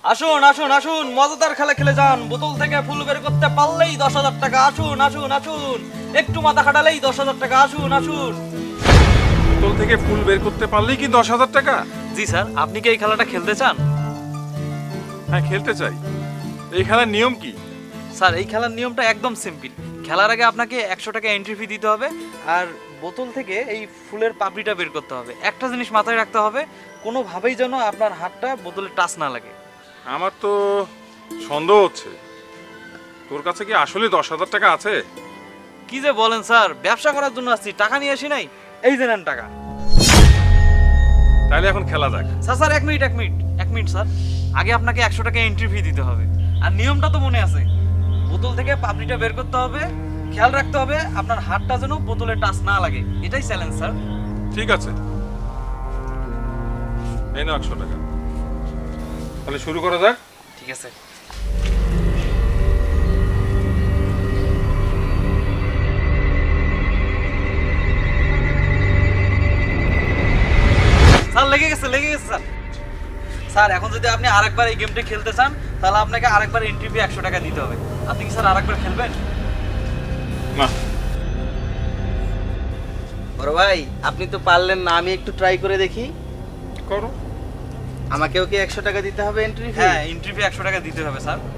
আসুন আসুন আসুন, মজাদার খেলা খেলে যান। বোতল থেকে ফুল বের করতে পারলেই 10,000 টাকা। আসুন আসুন আসুন, একটু মাথা খাটালেই 10,000 টাকা। আসুন আসুন। বোতল থেকে ফুল বের করতে পারলেই কি 10,000 টাকা? জি স্যার, আপনি কি এই খেলাটা খেলতে চান? হ্যাঁ, খেলতে চাই। এই খেলার নিয়ম কি? স্যার, এই খেলার নিয়মটা একদম সিম্পল। খেলার আগে আপনাকে 100 টাকা এন্ট্রি ফি দিতে হবে, আর বোতল থেকে এই ফুলের পাপড়িটা বের করতে হবে। একটা জিনিস মাথায় রাখতে হবে, কোনোভাবেই যেন আপনার হাতটা বোতলে টাচ না লাগে। আমার তো সন্দেহ হচ্ছে, তোর কাছে কি আসলে 10,000 টাকা আছে? কি যে বলেন স্যার, ব্যবসা করার জন্য আসছি, টাকা নিয়ে আসি নাই। এই যে নেন টাকা। তাহলে এখন খেলা যাক। স্যার স্যার, এক মিনিট স্যার। আগে আপনাকে 100 টাকা এন্ট্রি ফি দিতে হবে। আর নিয়মটা তো মনে আছে, বোতল থেকে পাপড়িটা বের করতে হবে, খেয়াল রাখতে হবে আপনার হাতটা যেন বোতলে টাচ না লাগে। এটাই চ্যালেঞ্জ স্যার। ঠিক আছে, এই নাও 100 টাকা। তাহলে শুরু করা যাক। ঠিক আছে। স্যার, লেগে গেছে স্যার। স্যার, এখন যদি আপনি আরেকবার এই গেমটা খেলতে চান, তাহলে আপনাকে আরেকবার এন্ট্রি ফি 100 টাকা দিতে হবে। আপনি কি স্যার আরেকবার খেলবেন? না, বড় ভাই, আপনি তো পারলেন না, আমি একটু ট্রাই করে দেখি। করো। আমাকেও কি 100 টাকা দিতে হবে এন্ট্রি ফি? হ্যাঁ, এন্ট্রি ফি 100 টাকা দিতে হবে স্যার।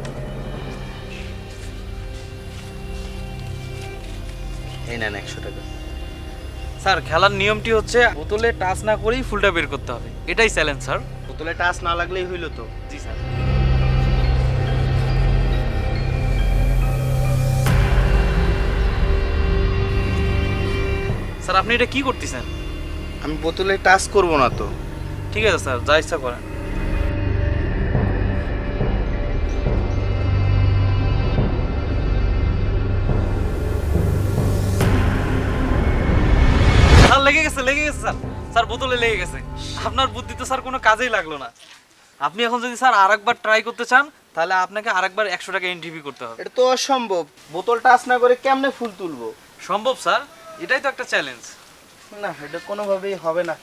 এই নেন 100 টাকা। স্যার, খেলার নিয়মটি হচ্ছে বোতলে টাচ না করেই ফুলটা বের করতে হবে। এটাই চ্যালেঞ্জ স্যার। বোতলে টাচ না লাগলেই হইলো তো। জি স্যার। স্যার, আপনি এটা কি করতেছেন? আমি বোতলে টাচ করব না তো। ঠিক আছে স্যার, যা ইচ্ছা করেন। স্যার, লেগে গেছে স্যার। স্যার, বোতলে লেগে গেছে। আপনার বুদ্ধি তো স্যার কোনো কাজেই লাগলো না। আপনি এখন যদি স্যার আরেকবার ট্রাই করতে চান, তাহলে আপনাকে আরেকবার 100 টাকা এন্ট্রি করতে হবে। এটা তো অসম্ভব, বোতল টাচ না করে কেমনে ফুল তুলবো? সম্ভব স্যার, এটাই তো একটা চ্যালেঞ্জ। না, এটা কোনোভাবেই হবে না।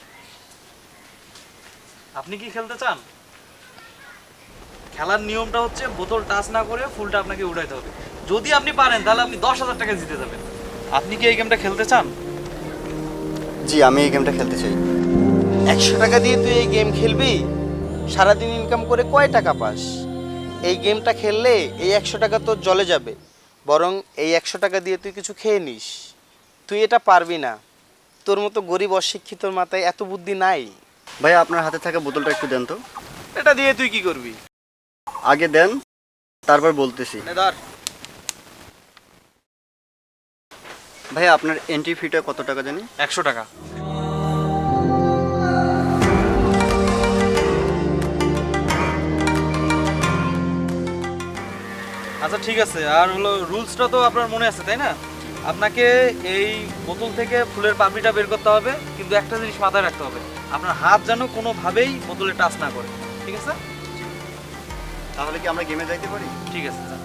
আপনি কি খেলতে চান? খেলার নিয়মটা হচ্ছে বোতল টাচ না করে ফুলটা আপনাকে উঠাইতে হবে। যদি আপনি পারেন, তাহলে আপনি 10,000 টাকা জিতে যাবেন। আপনি কি এই গেমটা খেলতে চান? জি, আমি এই গেমটা খেলতে চাই। 100 টাকা দিয়ে তুই এই গেম খেলবি? সারাদিন ইনকাম করে কয় টাকা পাস? এই গেমটা খেললে এই 100 টাকা তোর জলে যাবে, বরং এই 100 টাকা দিয়ে তুই কিছু খেয়ে নিস। তুই এটা পারবি না, তোর মতো গরিব অশিক্ষিতর মাথায় এত বুদ্ধি নাই। ভাই, আপনার হাতে থাকা বোতলটা একটু দেন তো। এটা দিয়ে তুই কি করবি? আগে দেন, তারপর বলতেছি। নে ধর। ভাই, আপনার এন্ট্রি ফিটা কত টাকা জানি? 100 টাকা। আচ্ছা ঠিক আছে, আর হলো রুলসটা তো আপনার মনে আছে তাই না? আপনাকে এই বোতল থেকে ফুলের পাপড়িটা বের করতে হবে, কিন্তু একটা জিনিস মাথায় রাখতে হবে, আপনার হাত যেন কোনোভাবেই বোতলে টাচ না করে। ঠিক আছে? তাহলে কি আমরা গেমে যাইতে পারি? ঠিক আছে স্যার।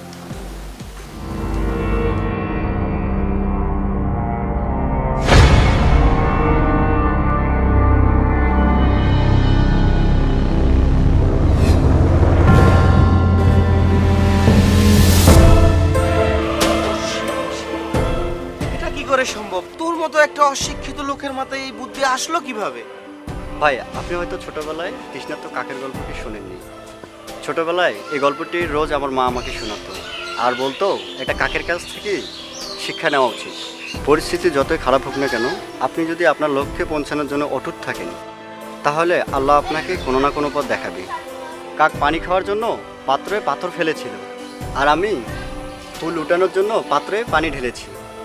এটা কি করে সম্ভব? তোর মতো একটা অশিক্ষিত লোকের মাথায় এই বুদ্ধি আসলো কিভাবে? ভাই, আপনি হয়তো ছোটবেলায় তৃষ্ণার্ত কাকের গল্পটি শোনেননি। ছোটবেলায় এই গল্পটি রোজ আমার মা আমাকে শোনাতো, আর বলতো এটা কাকের কাছ থেকে শিক্ষা নেওয়া উচিত। পরিস্থিতি যতই খারাপ হোক না কেন, আপনি যদি আপনার লক্ষ্যে পৌঁছানোর জন্য অটুট থাকেন, তাহলে আল্লাহ আপনাকে কোনো না কোনো পথ দেখাবে। কাক পানি খাওয়ার জন্য পাত্রে পাথর ফেলেছিল, আর আমি ফুল উঠানোর জন্য পাত্রে পানি ঢেলেছি।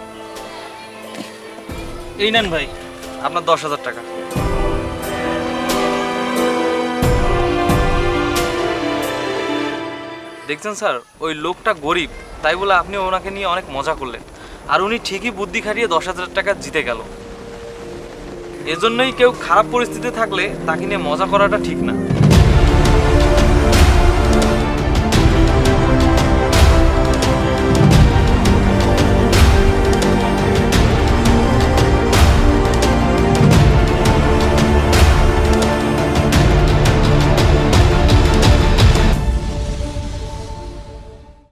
এই নেন ভাই, আপনার 10,000 টাকা। দেখছেন স্যার, ওই লোকটা গরিব, তাই বলে আপনি ওনাকে নিয়ে অনেক মজা করলেন, আর উনি ঠিকই বুদ্ধি খাটিয়ে 10,000 টাকা জিতে গেল। এজন্যই কেউ খারাপ পরিস্থিতিতে থাকলে তাকে নিয়ে মজা করাটা ঠিক না।